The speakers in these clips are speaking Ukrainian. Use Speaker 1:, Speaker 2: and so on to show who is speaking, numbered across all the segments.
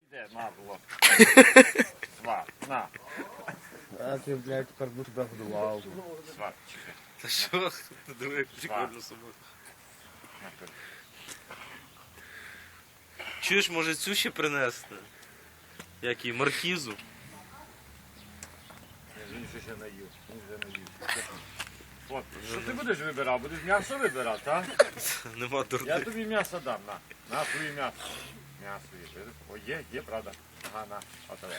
Speaker 1: Де, на, було. Сват, на.
Speaker 2: А ти, блядь, тепер буду тебе годував.
Speaker 1: Сват, чекай.
Speaker 3: Та що? Ти диви, як прикольно собою.
Speaker 1: Наперед.
Speaker 3: Чуєш, може цю ще принести? Як і маркізу?
Speaker 1: Він ще наїв. Він вже наїв. От, що ти будеш вибирати? Будеш м'ясо вибирати, а?
Speaker 3: Нема
Speaker 1: Я
Speaker 3: дурних.
Speaker 1: тобі м'ясо дам, на. На твоє м'ясо. М'ясо є. О, є, правда. Ага, на. Отове.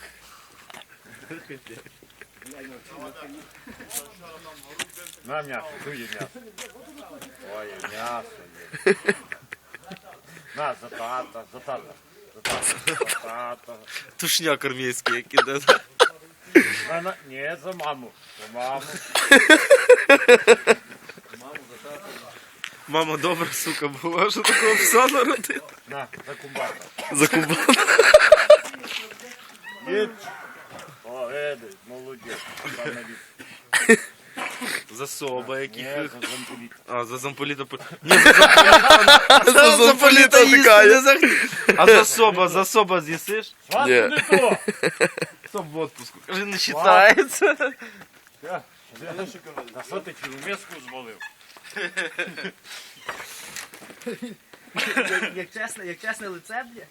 Speaker 1: На м'ясо, твоє м'ясо. Ой, м'ясо є. На, за тата, за тата. За тата, за тата.
Speaker 3: Тушняк армійський, як іде.
Speaker 1: Ні, за маму. За маму.
Speaker 3: Мама добра, сука, була, що такого пса народила.
Speaker 1: На, за кумбата.
Speaker 3: За кубан.
Speaker 1: Їдь. О, Едик, молодець. Пане
Speaker 3: За соба,
Speaker 1: Ні,
Speaker 3: яких.
Speaker 1: за замполіт.
Speaker 3: А, за замполіта. Ні, за замполіта їсти не захотів. А за соба з'їсиш?
Speaker 1: Сват,
Speaker 2: Ні.
Speaker 1: не то.
Speaker 3: Соб в отпуску. Каже, не вважається.
Speaker 1: На що ти цілу миску звалив?
Speaker 4: Як чесне лице, бля.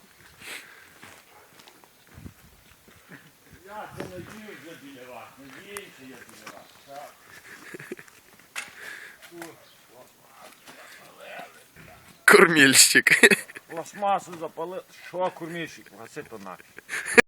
Speaker 1: Я це надіюся біля вас. Надіюся я біля вас. Так.
Speaker 2: Кормільщик.
Speaker 1: Пластмасу запалив. Що, курмішик? Гаси то нафіг.